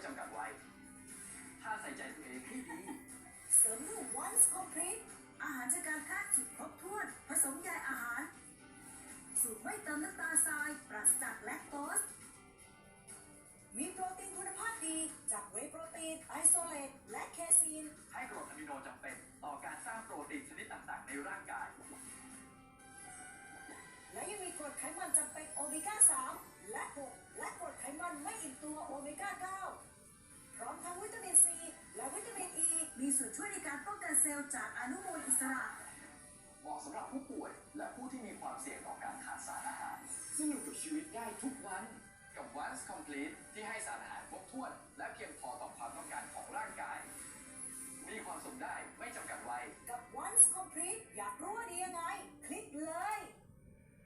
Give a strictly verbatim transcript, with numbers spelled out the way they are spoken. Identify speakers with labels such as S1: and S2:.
S1: จำกัดวัยถ้าใส่ใจตัวเองให้ดี
S2: เสริมด้วย Once Complete อาหารจากการแพทย์สุดครบถ้วนผสมใยอาหารสูตรไม่เติมน้ำตาลทรายปราศจากแลคโตสมีโปรตีนคุณภาพดีจากเวย์โปรตีนไอโซเลตและเคซีน
S1: ให้กรดอะมิโนจำเป็นต่อการสร้างโปรตีนชนิดต่างๆในร่างกาย
S2: และยังมีกรดไขมันจำเป็นโอเมก้า สาม และ หก และกรดไขมันไม่อิ่มตัวโอเมก้า เก้า พร้อมทั้งวิตามินซีและวิตามินอ e, ีมีส่วนช่วยในการป้องกันเซลล์จากอนุมูลอิสระ
S1: เหมาะสำหรับผู้ป่วยและผู้ที่มีความเสี่ยงต่อการขาดสารอาหารซึ่งอยู่กับชีวิตได้ทุกวันกับ Once Complete ที่ให้สารอาหารครบถ้วนและเพียงพอต่อความต้องการของร่างกายมีความสุขได้ไม่จำกัดวัย
S2: กับ Once Complete อยากรู้ว่าดียังไงคลิกเลย